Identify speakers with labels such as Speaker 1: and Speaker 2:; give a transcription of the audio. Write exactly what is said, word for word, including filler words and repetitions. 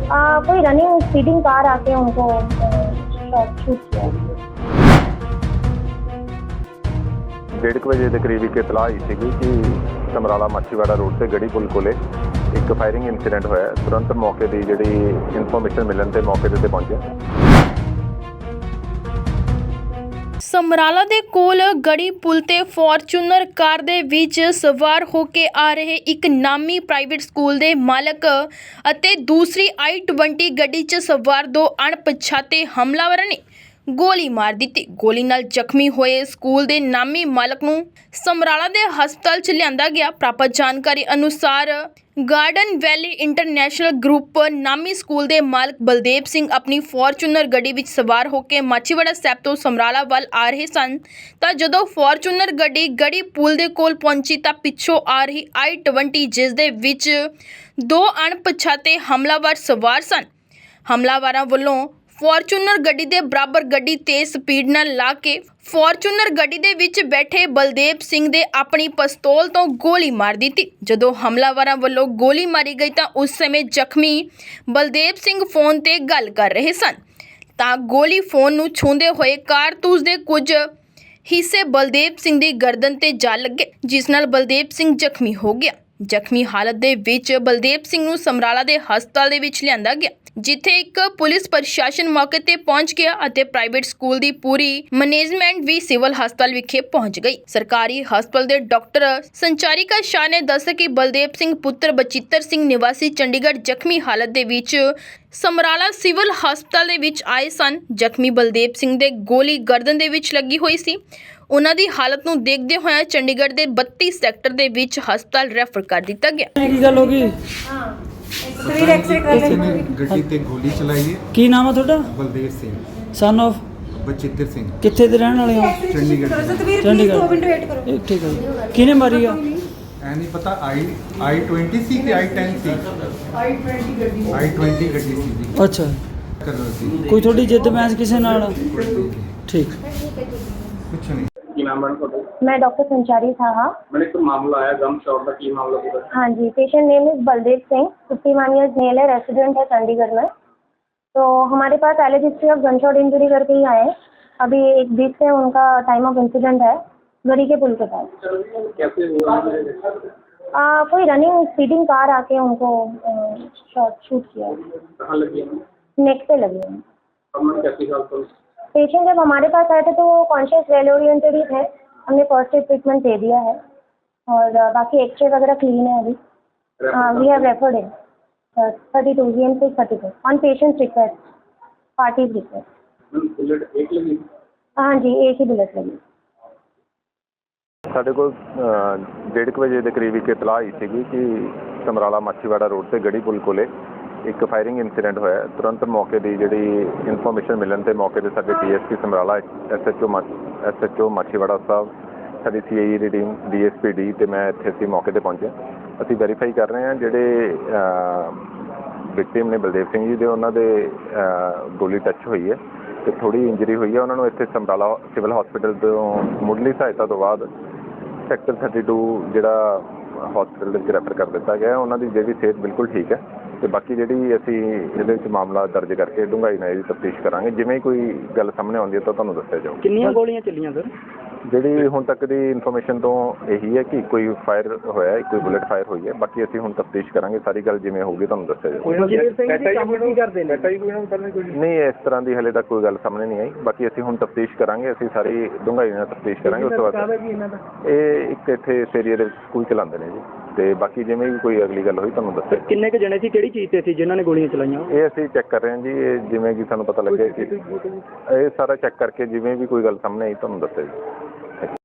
Speaker 1: आ, कोई running speeding car आके उनको शॉट शूट किया।
Speaker 2: डेढ़ कुछ बजे के करीब एक इतलाह आई थी कि समराला माछीवाड़ा रोड से गढ़ी पुल कोले एक फायरिंग इंसीडेंट होया। तुरंत मौके की जी इनफॉर्मेशन मिलने से मौके ते पहुंचे।
Speaker 3: ਸਮਰਾਲਾ ਦੇ ਕੋਲ ਗੜੀ ਪੁਲ ਤੇ ਫੋਰਚੂਨਰ ਕਾਰ ਦੇ ਵਿੱਚ ਸਵਾਰ ਹੋ ਕੇ ਆ ਰਹੇ ਇੱਕ ਨਾਮੀ ਪ੍ਰਾਈਵੇਟ ਸਕੂਲ ਦੇ ਮਾਲਕ ਅਤੇ ਦੂਸਰੀ ਆਈ ਟਵੰਟੀ ਗੱਡੀ 'ਚ ਸਵਾਰ ਦੋ ਅਣਪਛਾਤੇ ਹਮਲਾਵਰਾਂ ਨੇ ਗੋਲੀ ਮਾਰ ਦਿੱਤੀ। ਗੋਲੀ ਨਾਲ ਜ਼ਖਮੀ ਹੋਏ ਸਕੂਲ ਦੇ ਨਾਮੀ ਮਾਲਕ ਨੂੰ ਸਮਰਾਲਾ ਦੇ ਹਸਪਤਾਲ 'ਚ ਲਿਆਂਦਾ ਗਿਆ। ਪ੍ਰਾਪਤ ਜਾਣਕਾਰੀ ਅਨੁਸਾਰ गार्डन वैली इंटरनेशनल ग्रुप नामी स्कूल के मालक बलदेव सिंह अपनी फॉर्चूनर गड्डी विच सवार होकर माछीवाड़ा साहब तो समराला वाल आ रहे सन तां जदों फॉर्चूनर गड्डी गढ़ी पुल दे कोल पहुंची तां पिछों आ रही आई ट्वेंटी जिस दे विच दो अणपछाते हमलावर सवार सन। हमलावरां वल्लों फॉर्चूनर गड्डी दे बराबर गड्डी तेज स्पीड नाल ला के फॉर्चूनर गड्डी दे विच बैठे बलदेव सिंह दे अपनी पिस्तौल तो गोली मार दी। जदों हमलावरां वल्लों गोली मारी गई तां उस समय जख्मी बलदेव सिंह फोन ते गल कर रहे सन तां गोली फोन नूं छूंदे होए कारतूस दे कुछ हिस्से बलदेव सिंह दी गर्दन ते जा लगे जिस नाल बलदेव सिंह जख्मी हो गया। ਜ਼ਖਮੀ ਹਾਲਤ ਦੇ ਵਿੱਚ ਬਲਦੇਵ ਸਿੰਘ ਨੂੰ ਸਮਰਾਲਾ ਦੇ ਹਸਪਤਾਲ ਦੇ ਵਿੱਚ ਲਿਆਂਦਾ ਗਿਆ ਜਿੱਥੇ ਇੱਕ ਪੁਲਿਸ ਪ੍ਰਸ਼ਾਸਨ ਮੌਕੇ ਤੇ ਪਹੁੰਚ ਗਿਆ ਅਤੇ ਪ੍ਰਾਈਵੇਟ ਸਕੂਲ ਦੀ ਪੂਰੀ ਮੈਨੇਜਮੈਂਟ ਵੀ ਸਿਵਲ ਹਸਪਤਾਲ ਵਿਖੇ ਪਹੁੰਚ ਗਈ। ਸਰਕਾਰੀ ਹਸਪਤਾਲ ਦੇ ਡਾਕਟਰ ਸੰਚਾਰਿਕਾ ਸ਼ਾਹ ਨੇ ਦੱਸਿਆ ਕਿ ਬਲਦੇਵ ਸਿੰਘ ਪੁੱਤਰ ਬਚਿੱਤਰ ਸਿੰਘ ਨਿਵਾਸੀ ਚੰਡੀਗੜ੍ਹ ਜ਼ਖਮੀ ਹਾਲਤ ਦੇ ਵਿੱਚ ਸਮਰਾਲਾ ਸਿਵਲ ਹਸਪਤਾਲ ਦੇ ਵਿੱਚ ਆਏ ਸਨ। ਜ਼ਖਮੀ ਬਲਦੇਵ ਸਿੰਘ ਦੇ ਗੋਲੀ ਗਰਦਨ ਦੇ ਵਿੱਚ ਲੱਗੀ ਹੋਈ ਸੀ। ਉਹਨਾਂ ਦੀ ਹਾਲਤ ਨੂੰ ਦੇਖਦੇ ਹੋਏ ਚੰਡੀਗੜ੍ਹ ਦੇ ਬੱਤੀ ਸੈਕਟਰ ਦੇ ਵਿੱਚ ਹਸਪਤਾਲ ਰੈਫਰ ਕਰ ਦਿੱਤਾ ਗਿਆ।
Speaker 4: ਕੀ ਗੱਲ ਹੋ ਗਈ?
Speaker 1: हाँ तस्वीर एक्सरे कर
Speaker 5: ਕਿਸੇ
Speaker 1: लेंगे।
Speaker 5: ਨੇ ਗੱਡੀ ਤੇ ਗੋਲੀ ਚਲਾਈ ਹੈ।
Speaker 4: ਕੀ ਨਾਮ ਹੈ ਤੁਹਾਡਾ?
Speaker 5: ਬਲਦੇਵ ਸਿੰਘ
Speaker 4: ਸਨ ਆਫ
Speaker 5: ਬਚਿੱਤਰ ਸਿੰਘ
Speaker 4: ਕਿੱਥੇ ਦੇ ਰਹਿਣ ਵਾਲੇ ਹੋ?
Speaker 5: ਚੰਡੀਗੜ੍ਹ
Speaker 1: तस्वीर
Speaker 4: चंडीगढ़।
Speaker 1: दो मिनट वेट करो।
Speaker 4: ਇਹ ਠੀਕ ਹੈ। ਕਿਹਨੇ ਮਾਰੀ ਆ?
Speaker 5: ਐ ਨਹੀਂ ਪਤਾ ਆਈ ਆਈ ਟਵੰਟੀ ਸੀ ਕਿ ਆਈ ਟੈਨ ਸੀ। ਆਈ ਟਵੰਟੀ ਗੱਡੀ ਆਈ ਟਵੰਟੀ ਗੱਡੀ ਸੀ ਜੀ।
Speaker 4: ਅੱਛਾ,
Speaker 5: ਕਰ ਰਹੀ ਸੀ
Speaker 4: ਕੋਈ ਤੁਹਾਡੀ ਜਿੱਦ ਬਹਿਸ ਕਿਸੇ ਨਾਲ? ਠੀਕ।
Speaker 5: ਕੁਛ ਨਹੀਂ।
Speaker 6: ਕੀ ਨਾਮ ਹੈ ਤੁਹਾਡਾ?
Speaker 1: मैं डॉक्टर संचारी साहा।
Speaker 6: मैंने एक मामला आया गम शॉट का, की मामला पूरा?
Speaker 1: हाँ जी, patient name is Baldev Singh, fifty one years male है, रेसिडेंट है चंडीगढ़ में। तो हमारे पास alleged history of gunshot injury करके ही आए हैं। अभी एक वीक से उनका टाइम ऑफ इंसिडेंट है गढ़ी के पुल के पास।
Speaker 6: कैसे हुआ?
Speaker 1: आ, कोई रनिंग स्पीडिंग कार आके उनको शॉट शूट किया।
Speaker 6: कहाँ लगी है?
Speaker 1: नेक पे लगी है।
Speaker 6: अब मैं कैसी हालत हूँ?
Speaker 1: पेशेंट जब हमारे पास आए थे तो वो कॉन्शियस वेल ओरिएंटेड ही थे। हमने फर्स्ट एड ट्रीटमेंट दे दिया है और uh, बाकी एक्सरे वगैरह क्लीन है अभी। We have referred in thirty two G M six thirty two on patient's request, party's request.
Speaker 6: Bullet एक लगी?
Speaker 1: हाँ जी, एक ही बुलेट लगी।
Speaker 2: ਸਾਡੇ ਕੋਲ डेढ़ ਕੁ ਵਜੇ ਦੇ ਕਰੀਬ ਇੱਕ ਇਤਲਾਹ ਆਈ ਸੀ ਕਿ ਸਮਰਾਲਾ ਮਾਛੀਵਾੜਾ ਰੋਡ ਤੇ ਗੜੀ ਪੁਲ ਕੋਲੇ ਇੱਕ ਫਾਇਰਿੰਗ ਇੰਸੀਡੈਂਟ ਹੋਇਆ। ਤੁਰੰਤ ਮੌਕੇ ਦੀ ਜਿਹੜੀ ਇਨਫੋਰਮੇਸ਼ਨ ਮਿਲਣ ਤੇ ਮੌਕੇ ਤੇ ਸਾਡੇ D S P Samrala, S H O S H O Machhiwara Sahib, ਸਾਡੀ ਸੀ ਆਈ ਈ ਦੀ team, D S P D ਤੇ ਮੈਂ ਇੱਥੇ ਅਸੀਂ ਮੌਕੇ ਤੇ ਪਹੁੰਚੇ। ਅਸੀਂ ਵੈਰੀਫਾਈ ਕਰ ਰਹੇ ਹਾਂ ਜਿਹੜੇ ਵਿਕਟਿਮ ਨੇ ਬਲਦੇਵ ਸਿੰਘ ਜੀ ਦੇ, ਉਹਨਾਂ ਦੇ ਗੋਲੀ ਟੱਚ ਹੋਈ ਹੈ ਤੇ ਥੋੜੀ ਇੰਜਰੀ ਹੋਈ ਹੈ। ਉਹਨਾਂ ਨੂੰ ਇੱਥੇ ਸਮਰਾਲਾ ਸਿਵਲ ਹਸਪੀਟਲ ਤੋਂ ਮੁੱਢਲੀ ਸਹਾਇਤਾ ਤੋਂ ਬਾਅਦ ਸੈਕਟਰ ਥਰਟੀ ਟੂ ਜਿਹੜਾ ਹਸਪੀਟਲ ਦੇ ਵਿੱਚ ਰੈਫਰ ਕਰ ਦਿੱਤਾ ਗਿਆ। ਉਹਨਾਂ ਦੀ ਜਿਹੜੀ ਸਿਹਤ ਬਿਲਕੁਲ ਠੀਕ ਹੈ ਤੇ ਬਾਕੀ ਜਿਹੜੀ ਅਸੀਂ ਇਹਦੇ ਵਿੱਚ ਮਾਮਲਾ ਦਰਜ ਕਰਕੇ ਡੂੰਘਾਈ ਨਾਲ ਇਹਦੀ ਤਫਤੀਸ਼ ਕਰਾਂਗੇ। ਜਿਵੇਂ ਕੋਈ ਗੱਲ ਸਾਹਮਣੇ ਆਉਂਦੀ ਹੈ ਤਾਂ ਤੁਹਾਨੂੰ ਦੱਸਿਆ ਜਾਊਗਾ।
Speaker 4: ਕਿੰਨੀਆਂ ਗੋਲੀਆਂ ਚੱਲੀਆਂ ਸਰ?
Speaker 2: ਜਿਹੜੀ ਹੁਣ ਤੱਕ ਦੀ ਇਨਫੋਰਮੇਸ਼ਨ ਤੋਂ ਇਹੀ ਹੈ ਕਿ ਕੋਈ ਫਾਇਰ ਹੋਇਆ, ਕੋਈ ਬੁਲੇਟ ਫਾਇਰ ਹੋਈ ਹੈ। ਬਾਕੀ ਅਸੀਂ ਹੁਣ ਤਫਤੀਸ਼ ਕਰਾਂਗੇ, ਸਾਰੀ ਗੱਲ ਜਿਵੇਂ ਹੋਊਗੀ ਤੁਹਾਨੂੰ ਦੱਸਿਆ ਜਾਊਗਾ। ਨਹੀਂ, ਇਸ ਤਰ੍ਹਾਂ ਦੀ ਹਲੇ ਤੱਕ ਕੋਈ ਗੱਲ ਸਾਹਮਣੇ ਨਹੀਂ ਆਈ। ਬਾਕੀ ਅਸੀਂ ਹੁਣ ਤਫਤੀਸ਼ ਕਰਾਂਗੇ, ਅਸੀਂ ਸਾਰੀ ਡੂੰਘਾਈ ਨਾਲ ਤਫਤੀਸ਼ ਕਰਾਂਗੇ। ਉਸ ਤੋਂ ਬਾਅਦ ਇਹ ਇੱਕ ਇੱਥੇ ਇਸ ਏਰੀਏ ਦੇ ਵਿੱਚ ਸਕੂਲ ਚਲਾਉਂਦੇ ਨੇ ਜੀ ਤੇ ਬਾਕੀ ਜਿਵੇਂ ਵੀ ਕੋਈ ਅਗਲੀ ਗੱਲ ਹੋਈ ਤੁਹਾਨੂੰ ਦੱਸਿਆ।
Speaker 4: ਕਿੰਨੇ ਕੁ ਜਣੇ ਸੀ, ਕਿਹੜੀ ਚੀਜ਼ ਤੇ ਸੀ ਜਿਨ੍ਹਾਂ ਨੇ ਗੋਲੀਆਂ ਚਲਾਈਆਂ?
Speaker 2: ਇਹ ਅਸੀਂ ਚੈੱਕ ਕਰ ਰਹੇ ਹਾਂ ਜੀ। ਇਹ ਜਿਵੇਂ ਕਿ ਸਾਨੂੰ ਪਤਾ ਲੱਗਿਆ ਕਿ ਇਹ ਸਾਰਾ ਚੈੱਕ ਕਰਕੇ ਜਿਵੇਂ ਵੀ ਕੋਈ ਗੱਲ ਸਾਹਮਣੇ ਆਈ ਤੁਹਾਨੂੰ ਦੱਸਿਆ ਜੀ।